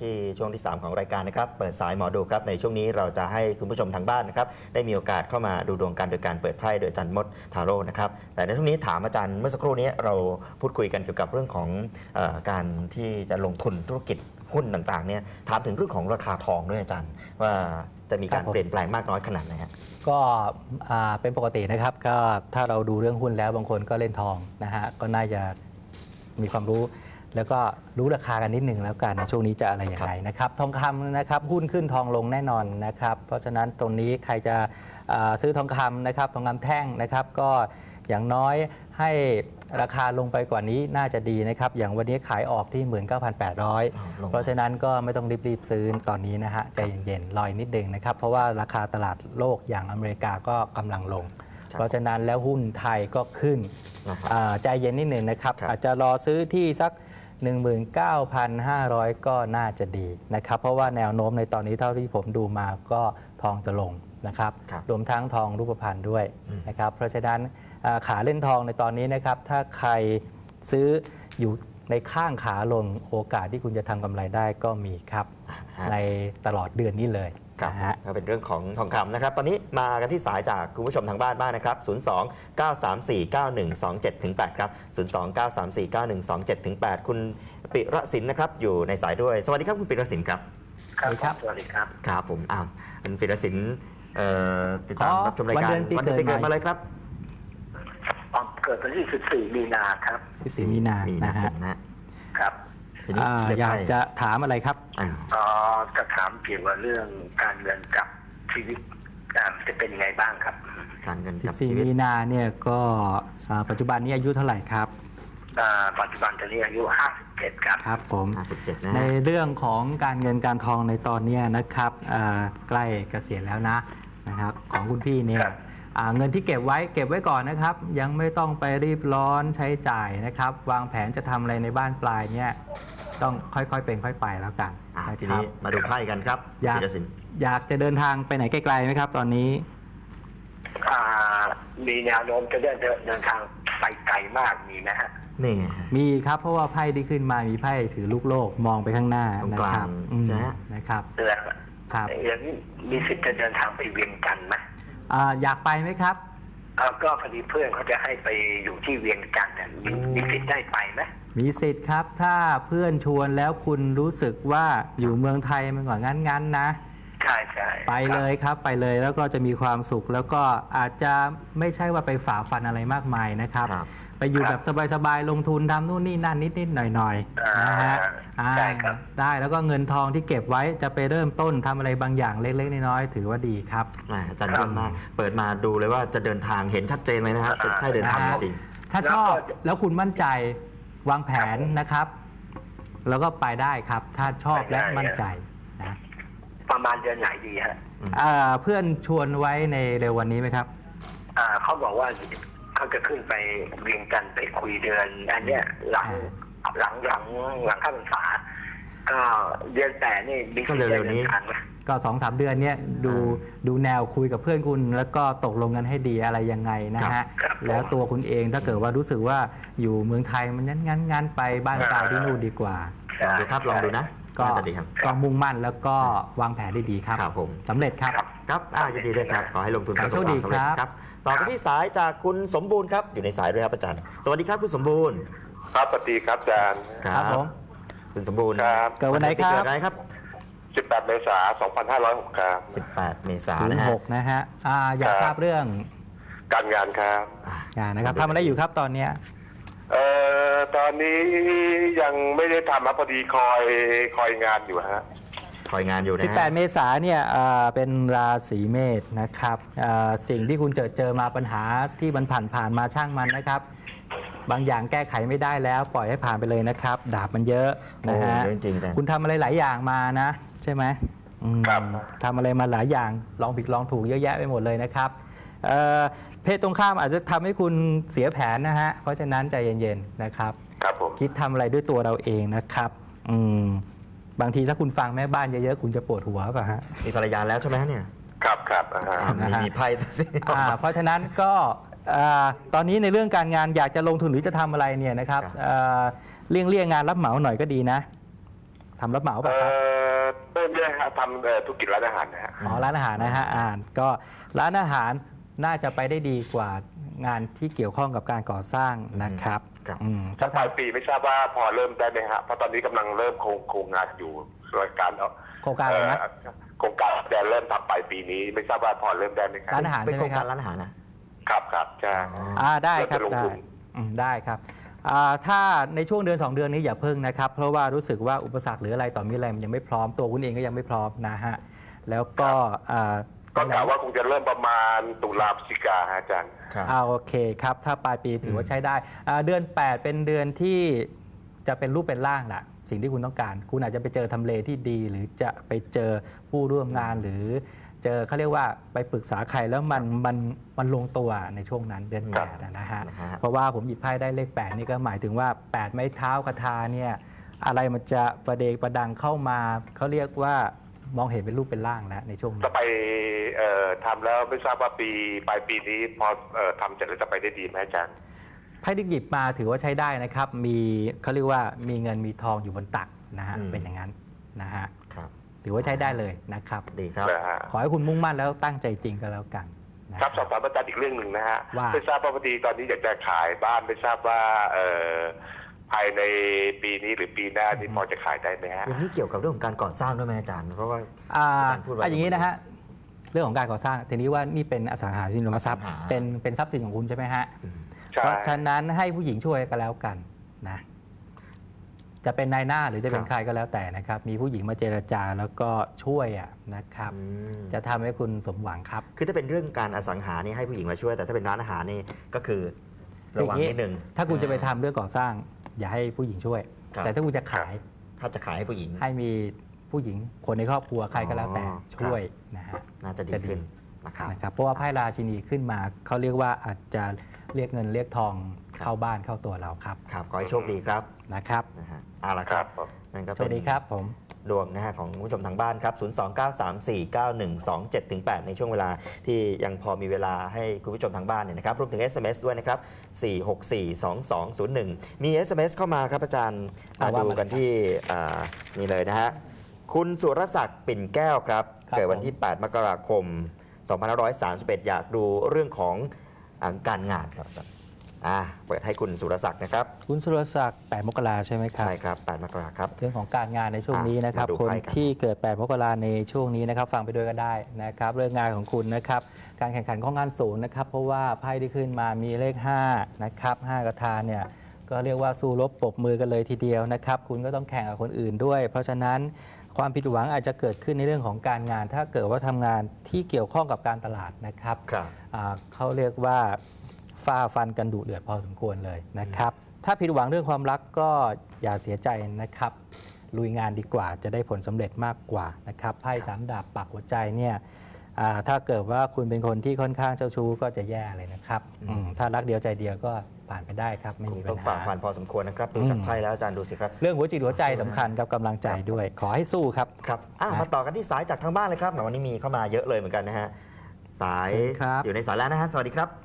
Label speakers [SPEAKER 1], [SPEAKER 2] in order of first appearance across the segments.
[SPEAKER 1] ที่ช่วงที่ 3 ของรายการนะครับเปิดสายหมอดูครับในช่วงนี้เราจะให้คุณผู้ชมทางบ้านนะครับได้มีโอกาสเข้ามาดูดวงกันโดยการเปิดไพ่โดยอาจารย์มดทาโร่นะครับแต่ในช่วงนี้ถามอาจารย์เมื่อสักครู่นี้เราพูดคุยกันเกี่ยวกับเรื่องของการที่จะลงทุนธุรกิจหุ้นต่างๆเนี่ยถามถึงเรื่องของราคาทองด้วยอาจารย์ว่าจะมีการเปลี่ยนแปลงมากน้อยขนาดไหนครับ
[SPEAKER 2] ก็เป็นปกตินะครับก็ถ้าเราดูเรื่องหุ้นแล้วบางคนก็เล่นทองนะฮะก็น่าจะมีความรู้แล้วก็รู้ราคากันนิดหนึ่งแล้วกันในช่วงนี้จะอะไรอย่างไรนะครับทองคำนะครับหุ้นขึ้นทองลงแน่นอนนะครับเพราะฉะนั้นตรงนี้ใครจะซื้อทองคำนะครับทองคำแท่งนะครับก็อย่างน้อยให้ราคาลงไปกว่านี้น่าจะดีนะครับอย่างวันนี้ขายออกที่ 19,800 เพราะฉะนั้นก็ไม่ต้องรีบซื้อตอนนี้นะฮะใจเย็นๆรอนิดนึงนะครับเพราะว่าราคาตลาดโลกอย่างอเมริกาก็กำลังลงเพราะฉะนั้นแล้วหุ้นไทยก็ขึ้นใจเย็นนิดนึงนะครับอาจจะรอซื้อที่สัก 19,500 ก็น่าจะดีนะครับเพราะว่าแนวโน้มในตอนนี้เท่าที่ผมดูมาก็ทองจะลงนะครับรวมทั้งทองรูปพรรณด้วยนะครับเพราะฉะนั้นขาเล่นทองในตอนนี้นะครับถ้าใครซื้ออยู่ในข้างขาลงโอกาสที่คุณจะทำกำไรได้ก็มีครับในตลอดเดือนนี้เลย
[SPEAKER 1] นะฮะก็เป็นเรื่องของทองคำนะครับตอนนี้มากันที่สายจากคุณผู้ชมทางบ้านบ้างนะครับ02-934-9127-8ครับ02-934-9127-8คุณปิระสินนะครับอยู่ในสายด้วยสวัสดีครับคุณปิระสินครับ
[SPEAKER 3] ครับสวัสดีครับ
[SPEAKER 1] ครับผมคุณปิระสินติดตามรับชมรายการวันเดือนปีเกิดมาเลยครับ
[SPEAKER 3] เกิดวันที่14 มีนาครับ
[SPEAKER 2] 14 มีนา
[SPEAKER 3] ครับ
[SPEAKER 2] อยากจะถามอะไรครับ
[SPEAKER 3] จะถามเกี่ยวกับเรื่องการเงินกับชีวิตจะเป็นยังไงบ้างครับ
[SPEAKER 1] การเงินกับชีวิต
[SPEAKER 2] 14 มีนาเนี่ยก็ปัจจุบันนี้อายุเท่าไหร่ครับ
[SPEAKER 3] ปัจจุบันตอนนี้อายุ57ครับ
[SPEAKER 2] ครับผม
[SPEAKER 1] 57นะ
[SPEAKER 2] ในเรื่องของการเงินการทองในตอนนี้นะครับใกล้เกษียณแล้วนะครับของคุณพี่เนี่ยเงินที่เก็บไว้ก่อนนะครับยังไม่ต้องไปรีบร้อนใช้จ่ายนะครับวางแผนจะทำอะไรในบ้านปลายเนี่ยต้องค่อยๆเป็นค่อยไปแล้วกัน
[SPEAKER 1] ทีนี้มาดูไพ่กันครับ
[SPEAKER 2] อยากจะเดินทางไปไหนไกลๆไหมครับตอนนี้
[SPEAKER 3] มีแนวโน้มจะเดินทางไปไกลมากมีไหมฮะ
[SPEAKER 1] นี่
[SPEAKER 2] มีครับเพราะว่าไพ่ที่ขึ้นมามีไพ่ถือลูกโลกมองไปข้างหน้านะครับนะครับ
[SPEAKER 3] อย่างนี้มีสิทธิ์จะเดินทางไปเวียงจันทร์ไหม
[SPEAKER 2] อยากไปไหมครับ
[SPEAKER 3] ก็พอดีเพื่อนเขาจะให้ไปอยู่ที่เวียงจันทร์มีสิทธิ์ได้ไปไหม
[SPEAKER 2] มีสิทธิ์ครับถ้าเพื่อนชวนแล้วคุณรู้สึกว่าอยู่เมืองไทยมันกว่างั้นนะ
[SPEAKER 3] ใช่
[SPEAKER 2] ไปเลยครับไปเลยแล้วก็จะมีความสุขแล้วก็อาจจะไม่ใช่ว่าไปฝ่าฟันอะไรมากมายนะครับไปอยู่แบบสบายๆลงทุนทำนู่นนี่นั่นนิดๆหน่อยๆนะฮะได้แล้วก็เงินทองที่เก็บไว้จะไปเริ่มต้นทำอะไรบางอย่างเล็กๆน้อยๆถือว่าดีครับ
[SPEAKER 1] อาจารย์เยี่ยมมากเปิดมาดูเลยว่าจะเดินทางเห็นชัดเจนเลยนะครับให้เดินทางจริง
[SPEAKER 2] ถ้าชอบแล้วคุณมั่นใจวางแผนนะครับแล้วก็ไปได้ครับถ้าชอบและมั่นใจนะ
[SPEAKER 3] ประมาณเดือนไหนดีฮะ
[SPEAKER 2] เพื่อนชวนไว้ในเร็ววันนี้ไหมครับ
[SPEAKER 3] เขาบอกว่าเขาจะขึ้นไปเวียงจันทร์ไปคุยเดือนอันเนี้ยหลังเข้าพรรษาก็เดือนแต่นี่มี
[SPEAKER 1] ก็เร็วๆนี้
[SPEAKER 2] ก็ 2-3 เดือนเนี้ยดูแนวคุยกับเพื่อนคุณแล้วก็ตกลงกันให้ดีอะไรยังไงนะฮะแล้วตัวคุณเองถ้าเกิดว่ารู้สึกว่าอยู่เมืองไทยมันงั้นไปบ้านตายที่นู่นดีกว่า
[SPEAKER 1] ลองดูนะ
[SPEAKER 2] ก็มุ่งมั่นแล้วก็วางแผนได้ดีครับ
[SPEAKER 1] ผม
[SPEAKER 2] สำเร็จครับ
[SPEAKER 1] ยินดีด้วยครับขอให้ลงทุน
[SPEAKER 2] ประสบความสำเร็จ
[SPEAKER 1] ครับต่อไปที่สายจากคุณสมบูรณ์ครับอยู่ในสายด้วยครับอาจารย์สวัสดีครับคุณสมบูรณ์
[SPEAKER 4] ครับสวัสดีครับอาจารย์
[SPEAKER 2] ครับผม
[SPEAKER 1] คุณสมบูรณ์
[SPEAKER 2] เกิดวันไหน
[SPEAKER 1] ครับ
[SPEAKER 4] 18 เมษายน 2506ครับ
[SPEAKER 1] 18 เมษายน
[SPEAKER 2] 06นะฮะอยากทราบเรื่อง
[SPEAKER 4] การงานครับ
[SPEAKER 2] งานนะครับทำอะไรอยู่ครับตอนนี้
[SPEAKER 4] ตอนนี้ยังไม่ได้ทำพอดีคอยงานอยู่ฮะ
[SPEAKER 1] คอยงานอยู่นะ
[SPEAKER 2] 18 เมษายนเนี่ยเป็นราศีเมษนะครับสิ่งที่คุณเจอมาปัญหาที่มันผ่านมาช่างมันนะครับบางอย่างแก้ไขไม่ได้แล้วปล่อยให้ผ่านไปเลยนะครับดาบมันเยอะนะฮะคุณทำอะไรหลายอย่างมานะใช่ไหมทำอะไรมาหลายอย่างลองผิดลองถูกเยอะแยะไปหมดเลยนะครับเพศตรงข้ามอาจจะทำให้คุณเสียแผนนะฮะเพราะฉะนั้นใจเย็นๆนะครับคิดทำอะไรด้วยตัวเราเองนะครับบางทีถ้าคุณฟังแม่บ้านเยอะๆคุณจะปวดหัวป่ะฮะ
[SPEAKER 1] มีภรรยาแล้วใช่ไหมเนี่ย
[SPEAKER 4] ครับ
[SPEAKER 1] มีไพ่
[SPEAKER 2] เพราะฉะนั้นก็ตอนนี้ในเรื่องการงานอยากจะลงทุนหรือจะทำอะไรเนี่ยนะครับเลี่ยงงานรับเหมาหน่อยก็ดีนะทำรับเหมาป่ะครับ
[SPEAKER 4] ไม่ได้ครับทำธุรกิจร้านอาหารนะฮะ
[SPEAKER 2] อ๋อร้านอาหารนะฮะก็ร้านอาหารน่าจะไปได้ดีกว่างานที่เกี่ยวข้องกับการก่อสร้างนะครับ
[SPEAKER 1] ครับ
[SPEAKER 4] ถ้าปลายปีไม่ทราบว่าพอเริ่มได้ไหมฮะเพราะตอนนี้กำลังเริ่มโครงงานอยู่โดยการ
[SPEAKER 2] โครงการอะไรนะ
[SPEAKER 4] โครงการจะเริ่มทำปลายปีนี้ไม่ทราบว่าพอเริ่มได้ไหมครับ
[SPEAKER 2] ร้านอาหาร
[SPEAKER 1] เป็น
[SPEAKER 2] ใช่
[SPEAKER 1] โค
[SPEAKER 2] ไห
[SPEAKER 1] ร
[SPEAKER 2] ม
[SPEAKER 1] ง
[SPEAKER 2] ค
[SPEAKER 1] กา
[SPEAKER 2] รั
[SPEAKER 1] ร
[SPEAKER 2] บ
[SPEAKER 1] ร้านอาหารนะ
[SPEAKER 4] ครับใช่
[SPEAKER 2] ได้ครับ
[SPEAKER 4] เริ่มจะลง
[SPEAKER 2] ได้
[SPEAKER 4] ทุน
[SPEAKER 2] ได้ครับถ้าในช่วงเดือน 2 เดือนนี้อย่าเพิ่งนะครับ เพราะว่ารู้สึกว่าอุปสรรคหรืออะไรต่อมีอะไรมันยังไม่พร้อมตัวคุณเองก็ยังไม่พร้อมนะฮะแล้วก็
[SPEAKER 4] ก็กล่าวว่าคงจะเริ่มประมาณตุลาพฤศจิกาฮะอาจารย์
[SPEAKER 1] ครับ
[SPEAKER 2] โอเคครับถ้าปลายปีถือว่าใช้ได้เดือน 8 เป็นเดือนที่จะเป็นรูปเป็นร่างแหละสิ่งที่คุณต้องการ คุณอาจจะไปเจอทำเลที่ดี หรือจะไปเจอผู้ร่วมงานหรือเจอเขาเรียกว่าไปปรึกษาใครแล้วมันลงตัวในช่วงนั้นเดือน
[SPEAKER 1] ครับ
[SPEAKER 2] 8นะฮะ
[SPEAKER 1] นะฮะ
[SPEAKER 2] เพราะว่าผมหยิบไพ่ได้เลข 8 นี่ก็หมายถึงว่า 8 ไม้เท้ากระทาเนี่ยอะไรมันจะประเดประดังเข้ามาเขาเรียกว่ามองเห็นเป็นรูปเป็นร่างแล้วในช่วงนี้
[SPEAKER 4] จะไปทำแล้วไม่ทราบว่าปลายปีนี้พอทำเสร็จแล้วจะไปได้ดีไหมอาจารย์
[SPEAKER 2] ไพ่ที่หยิบมาถือว่าใช้ได้นะครับ มีเขาเรียกว่ามีเงินมีทองอยู่บนตักนะฮะ เป็นอย่างนั้นนะฮะ
[SPEAKER 1] ครับ
[SPEAKER 2] ถือว่าใช้ได้เลยนะครับ
[SPEAKER 1] ดีครับ
[SPEAKER 4] นะฮะ
[SPEAKER 2] ขอให้คุณมุ่งมั่นแล้วตั้งใจจริงก็แล้วกันนะครับ
[SPEAKER 4] สอบถามอาจารย์อีกเรื่องหนึ่งนะฮะ
[SPEAKER 2] ว่า
[SPEAKER 4] ไม่ทราบว่าพอดีตอนนี้อยากจะขายบ้านไม่ทราบว่าภายในปีนี้หรือปีหน้านี่พอจะขายได้ไหมฮะ
[SPEAKER 1] อย่างนี้เกี่ยวกับเรื่องของการก่อสร้างด้วยไหมอาจารย์ เพราะว่า
[SPEAKER 2] อ่า
[SPEAKER 1] อาจารย์พูดไว้
[SPEAKER 2] อย่างนี้นะฮะเรื่องของการก่อสร้างทีนี้ว่านี่เป็นอสังหาริมทรัพย์
[SPEAKER 1] อสังหา
[SPEAKER 2] เป็นทรัพย์สินของคุณใช่ไหมฮะ
[SPEAKER 4] ใช่
[SPEAKER 2] เพราะฉะนั้นให้ผู้หญิงช่วยก็แล้วกันนะจะเป็นนายหน้าหรือจะเป็นใครก็แล้วแต่นะครับ มีผู้หญิงมาเจรจาแล้วก็ช่วยนะครับ
[SPEAKER 1] อืม
[SPEAKER 2] จะทำให้คุณสมหวังครับ
[SPEAKER 1] คือถ้าเป็นเรื่องการอสังหานี่ให้ผู้หญิงมาช่วย แต่ถ้าเป็นร้านอาหารนี่ก็คือระวังนิดนึง
[SPEAKER 2] ถ้าคุณจะไปทำเรื่องก่อสร้าง อย่าให้ผู้หญิงช่วย
[SPEAKER 1] ครับ
[SPEAKER 2] แต่ถ้าคุณจะขาย
[SPEAKER 1] ถ้าจะขายให้ผู้หญิง
[SPEAKER 2] ให้มีผู้หญิงคนในครอบครัวใครก็แล้วแต่
[SPEAKER 1] อ๋อ
[SPEAKER 2] ช่วยนะฮะ
[SPEAKER 1] น่าจะดีขึ้นนะครับ
[SPEAKER 2] นะครับเพราะว่าไพ่ราชินีขึ้นมาเขาเรียกว่าอาจจะเรียกเงินเรียกทองเข้าบ้านเข้าตัวเราครับ
[SPEAKER 1] ครับขอให้โชคดีครับ
[SPEAKER 2] นะครับ
[SPEAKER 1] นะฮะเอาละค
[SPEAKER 4] ค
[SPEAKER 1] รั
[SPEAKER 4] รั
[SPEAKER 1] บบ
[SPEAKER 4] ผม
[SPEAKER 1] นั่นก็
[SPEAKER 2] ส
[SPEAKER 1] เป็
[SPEAKER 2] วัน สดีครับผม
[SPEAKER 1] ดวงนะฮะของคุณผู้ชมทางบ้านครับ 029349127-8 ในช่วงเวลาที่ยังพอมีเวลาให้คุณผู้ชมทางบ้านเนี่ยนะครับรวมถึง SMS ด้วยนะครับ 4642201 มี SMS เข้ามาครับอาจารย์
[SPEAKER 2] เอาว่า
[SPEAKER 1] ดู
[SPEAKER 2] มา
[SPEAKER 1] กันที่นี่เลยนะฮะคุณสุรศักดิ์ปิ่นแก้วครับ
[SPEAKER 2] ครับ
[SPEAKER 1] เกิดวันที่ 8 มกราคม 2531 อยากดูเรื่องของการงานครับเปิดให้คุณสุรศักดิ์นะครับ
[SPEAKER 2] คุณสุรศักดิ์8 มกราใช่ไหมครับ
[SPEAKER 1] ใช่ครับ 8 มกราครับ
[SPEAKER 2] เรื่องของการงานในช่วงนี้นะครับ
[SPEAKER 1] มาดู
[SPEAKER 2] คน
[SPEAKER 1] ไพ่ครับ
[SPEAKER 2] ที่เกิด 8 มกราในช่วงนี้นะครับ ฟังไปด้วยก็ได้นะครับ เรื่องงานของคุณนะครับ การแข่งขันของงานสูงนะครับ เพราะว่าไพ่ที่ขึ้นมามีเลข 5 นะครับ 5 กระทาเนี่ย ก็เรียกว่าสู้รบปรบมือกันเลยทีเดียวนะครับ คุณก็ต้องแข่งกับคนอื่นด้วย เพราะฉะนั้นความผิดหวังอาจจะเกิดขึ้นในเรื่องของการงาน ถ้าเกิดว่าทำงานที่เกี่ยวข้องกับการตลาดนะครับ
[SPEAKER 1] ครับ
[SPEAKER 2] เขาเรียกว่าฝ่าฟันกันดุเดือดพอสมควรเลยนะครับ ถ้าผิดหวังเรื่องความรักก็อย่าเสียใจนะครับ ลุยงานดีกว่าจะได้ผลสำเร็จมากกว่านะครับไพ่สามดาบปักหัวใจเนี่ยถ้าเกิดว่าคุณเป็นคนที่ค่อนข้างเจ้าชู้ก็จะแย่เลยนะครับถ้ารักเดียวใจเดียวก็ผ่านไปได้ครับไม่
[SPEAKER 1] ค
[SPEAKER 2] มี
[SPEAKER 1] ง
[SPEAKER 2] ปั
[SPEAKER 1] ต้อ
[SPEAKER 2] ญ
[SPEAKER 1] งฝ่า
[SPEAKER 2] หา
[SPEAKER 1] ฟันพอสมควรนะครับดูจากไพ่แล้วอาจารย์ดูสิครับ
[SPEAKER 2] เรื่องหัวจิตหัวใจสำคัญกับกำลังใจด้วย ขอให้สู้ครับ
[SPEAKER 1] ครับมาต่อกันที่สายจากทางบ้านเลยครับวันนี้มีเข้ามาเยอะเลยเหมือนกันนะฮะสาย
[SPEAKER 2] เชิญครับ
[SPEAKER 1] อยู่ในสายแล้วนะฮะสวัสดีครับ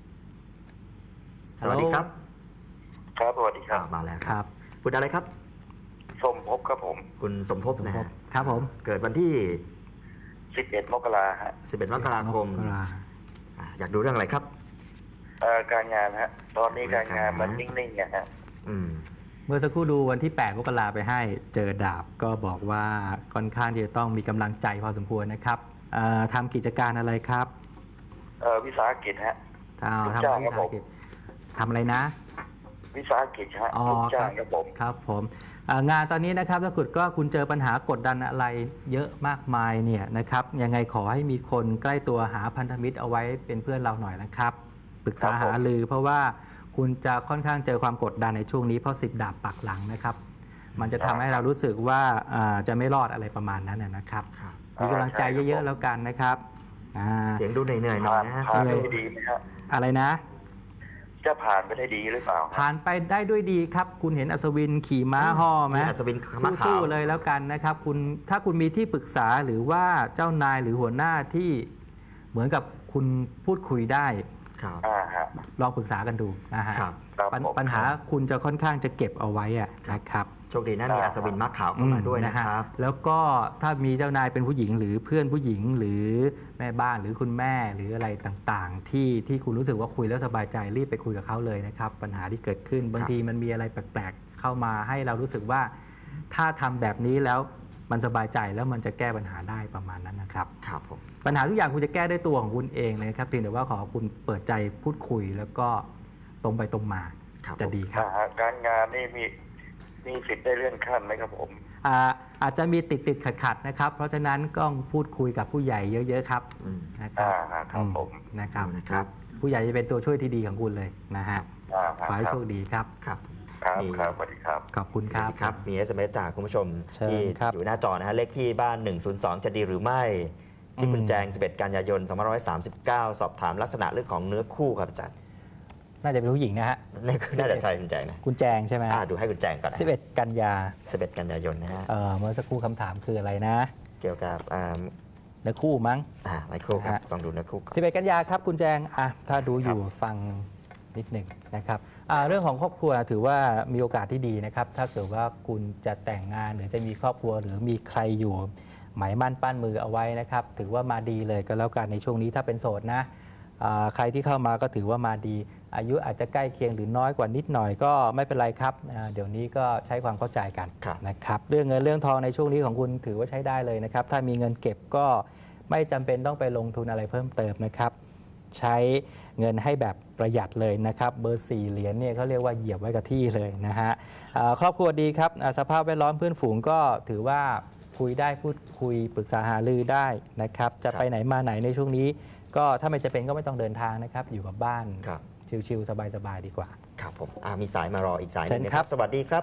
[SPEAKER 1] สวัสดีครับ
[SPEAKER 3] ครับสวัสดีครับ
[SPEAKER 1] มาแล้ว
[SPEAKER 2] ครับ
[SPEAKER 1] คุณอะไรครับ
[SPEAKER 3] สมภพครับผม
[SPEAKER 1] คุณสมภพนะฮะ
[SPEAKER 2] ครับผม
[SPEAKER 1] เกิดวันที่
[SPEAKER 3] 11 มกราฮะ
[SPEAKER 1] 11 มกราคม
[SPEAKER 2] มกรา
[SPEAKER 1] อยากดูเรื่องอะไรครับ
[SPEAKER 3] การงานฮะ ตอนนี้การงานมันนิ่งๆนะฮะ
[SPEAKER 1] อืม
[SPEAKER 2] เมื่อสักครู่ดูวันที่ 8 มกราไปให้เจอดาบก็บอกว่าค่อนข้างที่จะต้องมีกำลังใจพอสมควรนะครับทำกิจการอะไรครับ
[SPEAKER 3] วิสาหกิจฮะ
[SPEAKER 2] ทำ
[SPEAKER 3] จ้าง
[SPEAKER 2] วิ
[SPEAKER 3] ครับ
[SPEAKER 2] สาหกิจทำอะไรนะ
[SPEAKER 3] วิสาหกิจฮะ
[SPEAKER 2] อ๋อ
[SPEAKER 3] ลูก
[SPEAKER 2] ค
[SPEAKER 3] จ้า
[SPEAKER 2] รั
[SPEAKER 3] งครับผม
[SPEAKER 2] ครับผมงานตอนนี้นะครับถ้าเกิดก็คุณเจอปัญหากดดันอะไรเยอะมากมายเนี่ยนะครับยังไงขอให้มีคนใกล้ตัวหาพันธมิตรเอาไว้เป็นเพื่อนเราหน่อยนะครับปรึกษา
[SPEAKER 3] ครับผม
[SPEAKER 2] หารือเพราะว่าคุณจะค่อนข้างเจอความกดดันในช่วงนี้เพราะ10 ดาบปักหลังนะครับ มันจะทำให้เรารู้สึกว่าจะไม่รอดอะไรประมาณนั้นนะครับ
[SPEAKER 1] ครับ
[SPEAKER 2] มีกำลังใจเยอะๆแล้วกันนะครับอ่า
[SPEAKER 1] เสียงดูเหนื่อยๆหน่อยนะฮะ
[SPEAKER 3] ผ่าน
[SPEAKER 2] เล
[SPEAKER 3] ไป
[SPEAKER 2] ย
[SPEAKER 3] ได้ดีไหมฮะ
[SPEAKER 2] อะไรนะ
[SPEAKER 3] จะผ่านไปได้ดีหรือเปล่าฮะ
[SPEAKER 2] ผ่านไปได้ด้วยดีครับ คุณเห็นอัศวินขี่ม้าห่อไหม
[SPEAKER 1] มีอัศวินม้าขาว
[SPEAKER 2] สู้ๆเลยแล้วกันนะครับถ้าคุณมีที่ปรึกษาหรือว่าเจ้านายหรือหัวหน้าที่เหมือนกับคุณพูดคุยได้
[SPEAKER 1] ครับ
[SPEAKER 4] ฮะ
[SPEAKER 2] ลองปรึกษากันดูนะฮะ
[SPEAKER 1] ครับ
[SPEAKER 4] ครับผม
[SPEAKER 2] ปัญหาคุณจะค่อนข้างจะเก็บเอาไว้อะนะครับ
[SPEAKER 1] โชคดีนะมีอัศวินม้าขาวเข้ามาด้วยนะครับ
[SPEAKER 2] แล้วก็ถ้ามีเจ้านายเป็นผู้หญิงหรือเพื่อนผู้หญิงหรือแม่บ้านหรือคุณแม่หรืออะไรต่างๆ ที่คุณรู้สึกว่าคุยแล้วสบายใจรีบไปคุยกับเขาเลยนะครับปัญหาที่เกิดขึ้นบางทีมันมีอะไรแปลกๆเข้ามาให้เรารู้สึกว่าถ้าทำแบบนี้แล้วมันสบายใจแล้วมันจะแก้ปัญหาได้ประมาณนั้นนะครับ
[SPEAKER 1] ครับผม
[SPEAKER 2] ปัญหาทุกอย่างคุณจะแก้ด้วยตัวของคุณเองเลยนะครับเพียงแต่ว่าขอคุณเปิดใจพูดคุยแล้วก็ตรงไปตรงมา
[SPEAKER 1] ครับ
[SPEAKER 2] จะดีครับ
[SPEAKER 4] การงานนี่มีสิทธิ์ได้เลื่อนขั้นไหมครับผม
[SPEAKER 2] อาจจะมีติดขัดนะครับ เพราะฉะนั้นก็พูดคุยกับผู้ใหญ่เยอะๆครับ
[SPEAKER 1] อืม
[SPEAKER 2] นะครับ
[SPEAKER 4] ครับผม
[SPEAKER 2] นะครับ
[SPEAKER 1] นะครับ
[SPEAKER 2] ผู้ใหญ่จะเป็นตัวช่วยที่ดีของคุณเลยนะฮะขอให้โชคดีครับ
[SPEAKER 1] ครับ
[SPEAKER 4] ครับครับสวัสดีครับ
[SPEAKER 2] ขอบคุณครับ
[SPEAKER 1] ครับ มี SMS จากคุณผู้ชม
[SPEAKER 2] เชิญ
[SPEAKER 1] ที่
[SPEAKER 2] ครับ
[SPEAKER 1] อยู่หน้าจอนะฮะ เลขที่บ้าน 102 จะดีหรือไม่ ที่คุณแจง 11 กันยายน 2539 สอบถามลักษณะเรื่องของเนื้อคู่ครับอาจารย์
[SPEAKER 2] น่าจะเป็นผู้หญิงนะฮะ
[SPEAKER 1] นี่คือน่าจะใช่คุณแจงนะ
[SPEAKER 2] คุณแจงใช่ไหม
[SPEAKER 1] ดูให้คุณแจงก่อนนะ
[SPEAKER 2] 11 กันยา
[SPEAKER 1] 11 กันยายนนะฮะ
[SPEAKER 2] เมื่อสักครู่คำถามคืออะไรนะ
[SPEAKER 1] เกี่ยวกับ
[SPEAKER 2] เนื้อคู่มั้ง
[SPEAKER 1] ไมโครครับ
[SPEAKER 2] ฮะ
[SPEAKER 1] ต้องดูเนื้อคู่ก่อน
[SPEAKER 2] 11 กันยาครับคุณแจงถ้าดูอยู่ฟังนิดหนึ่งนะครับเรื่องของครอบครัวถือว่ามีโอกาสที่ดีนะครับถ้าเกิดว่าคุณจะแต่งงานหรือจะมีครอบครัวหรือมีใครอยู่หมายมั่นปั้นมือเอาไว้นะครับถือว่ามาดีเลยก็แล้วกันในช่วงนี้ถ้าเป็นโสดนะใครที่เข้ามาก็ถือว่ามาดี อายุอาจจะใกล้เคียงหรือน้อยกว่านิดหน่อยก็ไม่เป็นไรครับเดี๋ยวนี้ก็ใช้ความเข้าใจกันนะครับเรื่องเงินเรื่องทองในช่วงนี้ของคุณถือว่าใช้ได้เลยนะครับถ้ามีเงินเก็บก็ไม่จำเป็นต้องไปลงทุนอะไรเพิ่มเติมนะครับใช้เงินให้แบบประหยัดเลยนะครับเบอร์ 4 เหรียญเนี่ยเขาเรียกว่าเหยียบไว้กับที่เลยนะฮะครอบครัวดีครับสภาพแวดล้อมเพื่อนฝูงก็ถือว่าคุยได้พูดคุยปรึกษาหารือได้นะครับจะไปไหนมาไหนในช่วงนี้ก็ถ้าไม่จะเป็นก็ไม่ต้องเดินทางนะครับอยู่กับบ้านชิลๆสบายๆดีกว่า
[SPEAKER 1] ครับผมมีสายมารออีกสายหนึง
[SPEAKER 2] เชิญ
[SPEAKER 1] นะ
[SPEAKER 2] ค
[SPEAKER 1] ค
[SPEAKER 2] รั
[SPEAKER 1] รับ บ สวัสดีครับ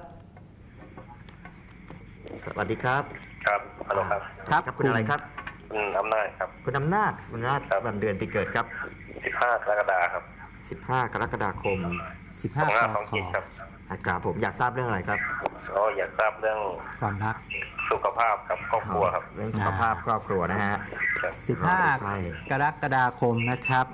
[SPEAKER 1] สวัสดีครับ
[SPEAKER 4] ครับฮัลโหลครับ
[SPEAKER 2] ครับ
[SPEAKER 1] คุณอะไรครับ
[SPEAKER 4] อำนาจครับ
[SPEAKER 1] คุณอำนาจวันเดือนปีเกิดครับ
[SPEAKER 4] 15 กรกฎาคมครับ
[SPEAKER 1] 15 กรกฎาคม
[SPEAKER 2] 15
[SPEAKER 4] 2527
[SPEAKER 2] ค
[SPEAKER 4] ครับ
[SPEAKER 1] ครับผมอยากทราบเรื่องอะไรครับ
[SPEAKER 4] ก็อยากทราบเรื่อง
[SPEAKER 2] ความรัก
[SPEAKER 4] สุขภาพกับครอบครัวครับ
[SPEAKER 1] เรื่องสุขภาพครอบครัวนะฮะ
[SPEAKER 2] 15 กรกฎาคมนะครับ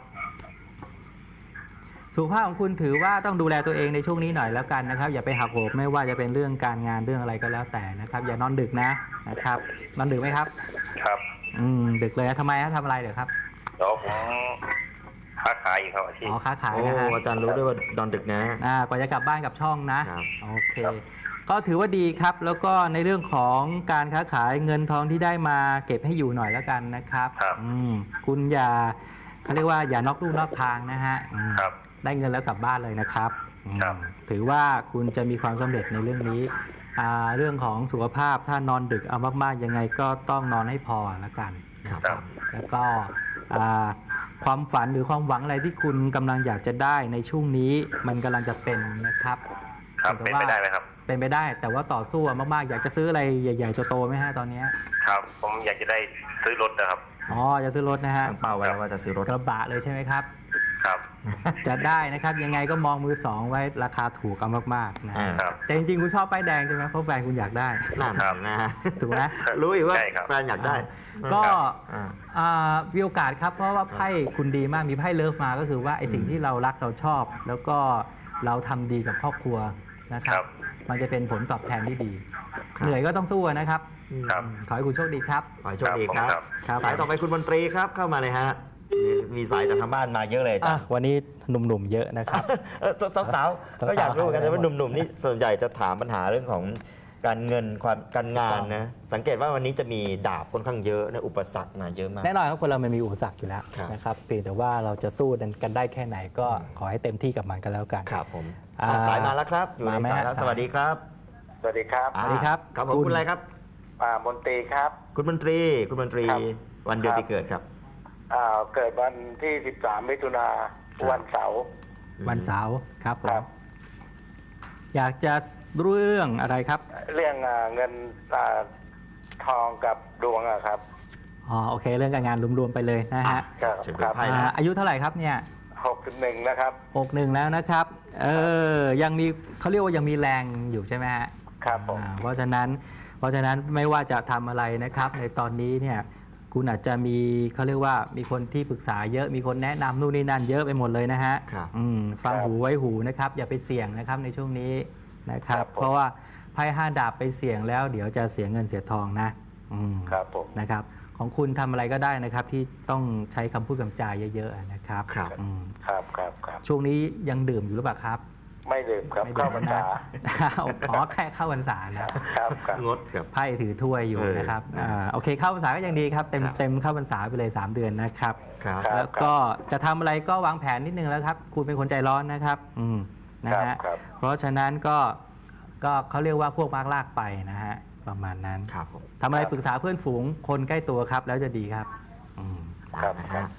[SPEAKER 2] สุขภาพของคุณถือว่าต้องดูแลตัวเองในช่วงนี้หน่อยแล้วกันนะครับอย่าไปหักโหมไม่ว่าจะเป็นเรื่องการงานเรื่องอะไรก็แล้วแต่นะครับอย่านอนดึกนะครับนอนดึกไหมครับ
[SPEAKER 4] ครับ
[SPEAKER 2] ดึกเลยนะทำไมฮะทำอะไรเดี๋ยวครับ
[SPEAKER 4] แล้วผมค้าขายอยู่ครับอาชีพ
[SPEAKER 2] ค้าขาย
[SPEAKER 1] โอ้
[SPEAKER 2] นะฮะ
[SPEAKER 1] อาจารย์รู้ด้วยว่าดอนดึกนะ
[SPEAKER 2] กว่าจะกลับบ้านกับช่องนะครับ โอเคก็ถือว่าดีครับแล้วก็ในเรื่องของการค้าขายเงินทองที่ได้มาเก็บให้อยู่หน่อยแล้วกันนะครับ
[SPEAKER 4] ครับ
[SPEAKER 2] คุณอย่าเขาเรียกว่าอย่านอกลู่นอกทางนะฮะ
[SPEAKER 4] ครับ
[SPEAKER 2] ได้เงินแล้วกลับบ้านเลยนะครับ
[SPEAKER 4] ครับ
[SPEAKER 2] ถือว่าคุณจะมีความสำเร็จในเรื่องนี้เรื่องของสุขภาพถ้านอนดึกเอามากๆยังไงก็ต้องนอนให้พอแล้วกัน
[SPEAKER 1] ครับ
[SPEAKER 4] ครับ
[SPEAKER 2] แล้วก็ความฝันหรือความหวังอะไรที่คุณกำลังอยากจะได้ในช่วงนี้มันกำลังจะเป็นนะครับ
[SPEAKER 4] ครับเป็นไปได้ไหมครับ
[SPEAKER 2] เป็นไปได้แต่ว่าต่อสู้มากๆอยากจะซื้ออะไรใหญ่ๆโตๆไหมฮะตอนนี้
[SPEAKER 4] ครับ ผมอยากจะได้ซื้อรถนะครับ
[SPEAKER 2] จะซื้อรถนะฮะ
[SPEAKER 1] ตั้งเป้าไว้แล้วว่าจะซื้อรถ
[SPEAKER 2] กระบะเลยใช่ไหมครับ
[SPEAKER 4] ครับ
[SPEAKER 2] จะได้นะครับยังไงก็มองมือสองไว้ราคาถูกเอามากๆนะ
[SPEAKER 4] ครับ
[SPEAKER 2] แต่จริงๆคุณชอบป้ายแดงใช่ไหมเพราะแฟนคุณอยากได้
[SPEAKER 1] นั่น
[SPEAKER 4] ครับ
[SPEAKER 1] นะฮะ
[SPEAKER 2] ถูกไหม
[SPEAKER 1] รู้อยู่ว่า
[SPEAKER 4] ใช่ครับ
[SPEAKER 1] แฟนอยากได้
[SPEAKER 2] ก็
[SPEAKER 1] อ่า
[SPEAKER 2] มีโอกาสครับเพราะว่าไพ่คุณดีมากมีไพ่เลิฟมาก็คือว่าไอสิ่งที่เรารักเราชอบ แล้วก็เราทำดีกับครอบครัวนะครั
[SPEAKER 4] ครับ บ
[SPEAKER 2] มันจะเป็นผลตอบแทนที่ดี
[SPEAKER 1] ครับ
[SPEAKER 2] เหนื่อยก็ต้องสู้นะครับ
[SPEAKER 4] ครับ
[SPEAKER 2] ขอให้คุณโชคดีครับ
[SPEAKER 1] ขอให้โชคดีครับ
[SPEAKER 2] ครับ
[SPEAKER 1] สายต่อไปคุณมนตรีครับเข้ามาเลยฮะมีสายจากทางบ้านมาเยอะเลยจ้ะ
[SPEAKER 2] วันนี้หนุ่มๆเยอะนะครับ
[SPEAKER 1] สาวๆก็อยากรู้กันนะว่าหนุ่มๆนี่ส่วนใหญ่จะถามปัญหาเรื่องของการเงินความการงานนะสังเกตว่าวันนี้จะมีดาบค่อนข้างเยอะนะอุปสรรคมาเยอะมาก
[SPEAKER 2] แน่นอนครับคนเรามันมีอุปสรรคอยู่แล้ว
[SPEAKER 1] ครับ
[SPEAKER 2] นะครับเพียงแต่ว่าเราจะสู้กันได้แค่ไหนก็ขอให้เต็มที่กับมันกันแล้วกัน
[SPEAKER 1] ครับผม
[SPEAKER 2] า
[SPEAKER 1] สายมาแล้วครับ อยู่ใน
[SPEAKER 2] มาไหม
[SPEAKER 1] สายแล้ว
[SPEAKER 2] ฮะ
[SPEAKER 1] สวัสดีครับ
[SPEAKER 3] สวัสดีครับ
[SPEAKER 2] สวัสดีครับ
[SPEAKER 1] ครับผม
[SPEAKER 2] คุณ
[SPEAKER 1] คุณอะไรครับ
[SPEAKER 3] มนตรีครับ
[SPEAKER 1] คุณมนตรี
[SPEAKER 3] ครับ
[SPEAKER 1] วันเดือนปีเกิดครับ
[SPEAKER 3] เกิดวันที่ 13 มิถุนา
[SPEAKER 1] ครับ
[SPEAKER 3] วันเสาร์
[SPEAKER 2] วันเสาร์ครับผ
[SPEAKER 3] ครั
[SPEAKER 2] ม
[SPEAKER 3] บ
[SPEAKER 2] อยากจะรู้เรื่องอะไรครับ
[SPEAKER 3] เรื่องเงินทองกับดวงอะครับ
[SPEAKER 2] โอเคเรื่องการงานรวมๆไปเลยนะฮะ
[SPEAKER 3] ครับ
[SPEAKER 1] เชิญ
[SPEAKER 3] ครับ
[SPEAKER 1] ไพ่นะ
[SPEAKER 2] อายุเท่าไหร่ครับเนี่ย
[SPEAKER 3] 61 นะครับ
[SPEAKER 2] 61แล้วนะครับยังมีเขาเรียกว่ายังมีแรงอยู่ใช่ไหมฮะ
[SPEAKER 3] ครับผม
[SPEAKER 2] เพราะฉะนั้นไม่ว่าจะทำอะไรนะครับ ในตอนนี้เนี่ยคุณอาจจะมีเขาเรียกว่ามีคนที่ปรึกษาเยอะมีคนแนะนำนู่นนี่นั่นเยอะไปหมดเลยนะฮะ
[SPEAKER 1] ครับ
[SPEAKER 2] ฟังหูไว้หูนะครับอย่าไปเสี่ยงนะครับในช่วงนี้นะครับ
[SPEAKER 4] ครับผม
[SPEAKER 2] เพราะว่าไพ่5 ดาบไปเสี่ยงแล้วเดี๋ยวจะเสียเงินเสียทองนะ
[SPEAKER 4] ครับผม
[SPEAKER 2] นะครับของคุณทำอะไรก็ได้นะครับที่ต้องใช้คำพูดคำจาเยอะๆนะครับ
[SPEAKER 1] ครับ
[SPEAKER 2] อืม
[SPEAKER 4] ครับครับครับ
[SPEAKER 2] ช่วงนี้ยังดื่มอยู่หรือเปล่าครับ
[SPEAKER 4] ไม่ดื่มครับ
[SPEAKER 2] ไม่
[SPEAKER 4] เข้า
[SPEAKER 2] ดื่ม
[SPEAKER 4] พรรษา
[SPEAKER 2] อ๋อแค่เข้าพรรษานะครับ
[SPEAKER 4] ครับ
[SPEAKER 1] งดครับ
[SPEAKER 2] ไพ่ถือถ้วยอยู่นะครับ โอเคเข้าพรรษาก็ยังดีครับเต็ม
[SPEAKER 1] ครับ
[SPEAKER 2] เต็มเข้าพรรษาไปเลย3 เดือนนะครับ
[SPEAKER 1] ครับ
[SPEAKER 4] ครับ
[SPEAKER 2] แล้วก็จะทำอะไรก็วางแผนนิดนึงแล้วครับ คุณเป็นคนใจร้อนนะครับนะฮะ
[SPEAKER 4] ครับ
[SPEAKER 2] เพราะฉะนั้นก็เขาเรียกว่าพวกมากลากไปนะฮะประมาณนั้น
[SPEAKER 1] ครับผม
[SPEAKER 2] ทำอะไรปรึกษาเพื่อนฝูงคนใกล้ตัวครับแล้วจะดีครับอืม
[SPEAKER 4] ครับ
[SPEAKER 1] นะฮะ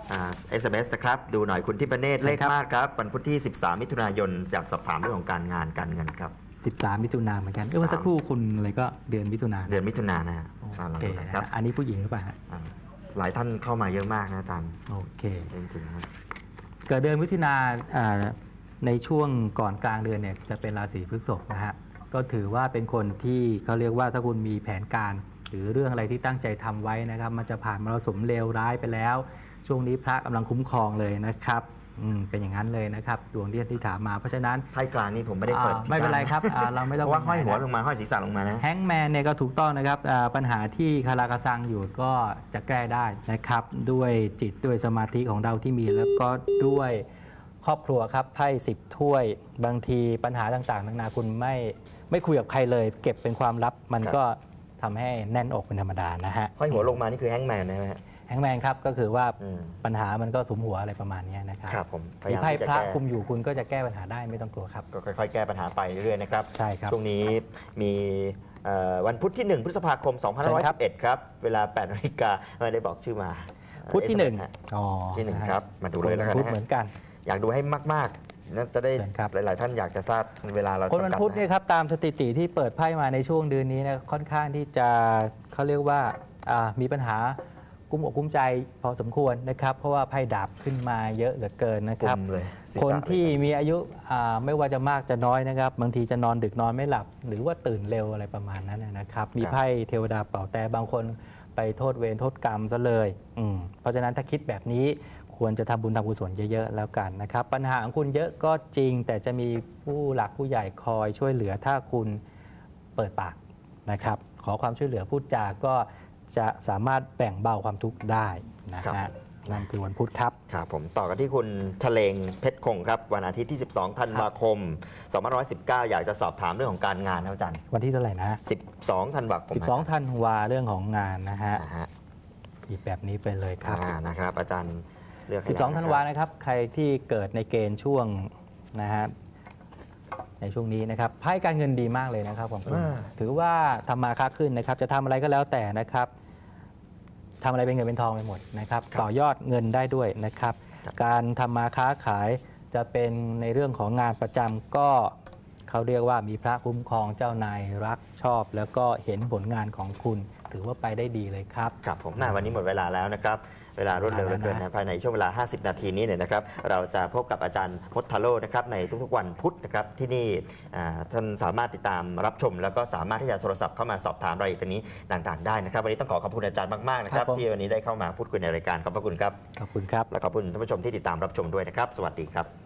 [SPEAKER 1] SMS นะครับดูหน่อยคุณทิพเนตร
[SPEAKER 2] ใช่
[SPEAKER 1] เลข
[SPEAKER 2] ครับ
[SPEAKER 1] มาศครับวันพุธที่ 13 มิถุนายนอยากสอบถามเรื่องของการงานการเงินครับ
[SPEAKER 2] 13 มิถุนายนเหมือนกันเมื่อสักครู่คุณอะไรก็เดือนมิถุนายน
[SPEAKER 1] เดือนมิถุนายนนะฮะ
[SPEAKER 2] โอ
[SPEAKER 1] ลอง
[SPEAKER 2] เค
[SPEAKER 1] ดูห
[SPEAKER 2] นะ
[SPEAKER 1] นะครับ
[SPEAKER 2] ฮะอันนี้ผู้หญิงหรือเปล่าฮะ
[SPEAKER 1] หลายท่านเข้ามาเยอะมากนะอาจารย์
[SPEAKER 2] โอเค
[SPEAKER 1] จริงๆนะ
[SPEAKER 2] เกิดเดือนมิถุนาในช่วงก่อนกลางเดือนเนี่ยจะเป็นราศีพฤษภนะฮะก็ถือว่าเป็นคนที่เขาเรียกว่าถ้าคุณมีแผนการ หรือเรื่องอะไรที่ตั้งใจทำไว้นะครับมันจะผ่านมรสุมเลวร้ายไปแล้ว ช่วงนี้พระกำลังคุ้มครองเลยนะครับเป็นอย่างนั้นเลยนะครับดวงที่ถามมาเพราะฉะนั้น
[SPEAKER 1] ไพ่กลางนี่ผมไม่ได้เปิด
[SPEAKER 2] ไม่เป็นไรครับเราไม่
[SPEAKER 1] เพ
[SPEAKER 2] ต้อง
[SPEAKER 1] ราะว่าห้อยหัวลงมาห้อยศีรษะลงมานะ
[SPEAKER 2] แฮงก์แมนเนี่ยก็ถูกต้องนะครับปัญหาที่คาราคาซังอยู่ก็จะแก้ได้นะครับด้วยจิตด้วยสมาธิของเราที่มีแล้วก็ด้วยครอบครัวครับไพ่10 ถ้วยบางทีปัญหาต่างๆนานาคุณไม่คุยกับใครเลย เก็บเป็นความลับมันก็ทำให้แน่นอกเป็นธรรมดานะฮะ
[SPEAKER 1] ห้อยหัวลงมานี่คือแฮงก์แมนนะฮะ
[SPEAKER 2] แฮงก์แมนครับก็คือว่า
[SPEAKER 1] อืม
[SPEAKER 2] ปัญหามันก็สุมหัวอะไรประมาณนี้นะครับ
[SPEAKER 1] ครับผมพยา
[SPEAKER 2] มี
[SPEAKER 1] ยาม
[SPEAKER 2] ไพ่
[SPEAKER 1] ที่จะ
[SPEAKER 2] พระ
[SPEAKER 1] แก้
[SPEAKER 2] คุมอยู่คุณก็จะแก้ปัญหาได้ไม่ต้องกลัวครับ
[SPEAKER 1] ก็ค่อยๆ แก้ปัญหาไปเรื่อยๆนะครับ
[SPEAKER 2] ใช่ครับ
[SPEAKER 1] ช่วงนี้มีวันพุธที่ 1 พฤษภาคม
[SPEAKER 2] เชิญครับ
[SPEAKER 1] 2511 ครับ เวลา 8 นาฬิกาไม่ได้บอกชื่อมา
[SPEAKER 2] พุธที่
[SPEAKER 1] SMS
[SPEAKER 2] 1
[SPEAKER 1] ฮะ
[SPEAKER 2] อ๋อ
[SPEAKER 1] ที่หนึ่งครับมาดูเลยแล้วกัน
[SPEAKER 2] พุธ
[SPEAKER 1] นะฮะ
[SPEAKER 2] เหมือนกัน
[SPEAKER 1] อยากดูให้มากๆนะจะได้
[SPEAKER 2] เชิญครับ
[SPEAKER 1] หลายๆ ท่านอยากจะทราบเวลาเรา
[SPEAKER 2] คนวัน
[SPEAKER 1] จำกัด
[SPEAKER 2] พุธเนี่ยครับตามสถิติที่เปิดไพ่มาในช่วงเดือนนี้นะค่อนข้างที่จะเขาเรียกว่ามีปัญหากุ้มอกกุ้มใจพอสมควรนะครับ เพราะว่าไพ่ดาบขึ้นมาเยอะเหลือเกินนะค
[SPEAKER 1] ปุ่
[SPEAKER 2] รับ
[SPEAKER 1] มเลยศีรษะ
[SPEAKER 2] คนที่
[SPEAKER 1] เลย
[SPEAKER 2] มีอายุไม่ว่าจะมากจะน้อยนะครับ บางทีจะนอนดึกนอนไม่หลับ หรือว่าตื่นเร็วอะไรประมาณนั้นนะครับ มีไพ่เทวดาเป่าแต่บางคนไปโทษเวรโทษกรรมซะเลยเพราะฉะนั้นถ้าคิดแบบนี้ควรจะทำบุญทำกุศลเยอะๆแล้วกันนะครับ ปัญหาของคุณเยอะก็จริง แต่จะมีผู้หลักผู้ใหญ่คอยช่วยเหลือถ้าคุณเปิดปากนะครับ ขอความช่วยเหลือพูดจาก็จะสามารถแบ่งเบาความทุกข์ได้นะ
[SPEAKER 1] ครั
[SPEAKER 2] ฮะ
[SPEAKER 1] บ
[SPEAKER 2] นั่นคือวันพุธครับ
[SPEAKER 1] ครับผมต่อกันที่คุณชเลงเพชรคงครับ วันอาทิตย์ที่ 12 ธันวาคม 2519 อยากจะสอบถามเรื่องของการงานครับอาจารย์
[SPEAKER 2] วันที่เท่าไหร่นะ
[SPEAKER 1] 12 ธันวาคม
[SPEAKER 2] 12 ธันวาเรื่องของงานนะฮะ
[SPEAKER 1] นะฮะ
[SPEAKER 2] หยิบแบบนี้ไปเลยครับ
[SPEAKER 1] นะครับ อาจารย์เลือกให้
[SPEAKER 2] 12 ธันวานะครับ ใครที่เกิดในเกณฑ์ช่วงนะฮะในช่วงนี้นะครับไพ่การเงินดีมากเลยนะครับของคุณถือว่าทำมาค้าขึ้นนะครับ จะทำอะไรก็แล้วแต่นะครับทำอะไรเป็นเงินเป็นทองไปหมดนะครับ ต่อยอดเงินได้ด้วยนะครับ การทำมาค้าขายจะเป็นในเรื่องของงานประจำก็เขาเรียกว่ามีพระคุ้มครองเจ้านายรักชอบ แล้วก็เห็นผลงานของคุณ ถือว่าไปได้ดีเลยครับ
[SPEAKER 1] ครับผมวันนี้หมดเวลาแล้วนะครับ เวลารวดเร็วเหลือเกินนะภายในช่วงเวลา 50 นาทีนี้เนี่ยนะครับ เราจะพบกับอาจารย์พจน์ทาโร่นะครับในทุกๆวันพุธนะครับที่นี่ท่านสามารถติดตามรับชม แล้วก็สามารถที่จะโทรศัพท์เข้ามาสอบถามรายละเอียดตรงนี้ต่างๆได้นะครับ วันนี้ต้องขอขอบคุณอาจารย์มากๆนะครับ
[SPEAKER 2] ครับผม
[SPEAKER 1] ที่วันนี้ได้เข้ามาพูดคุยในรายการขอบพระคุณครับ
[SPEAKER 2] ขอบคุณครับ
[SPEAKER 1] และขอบคุณท่านผู้ชมที่ติดตามรับชมด้วยนะครับ สวัสดีครับ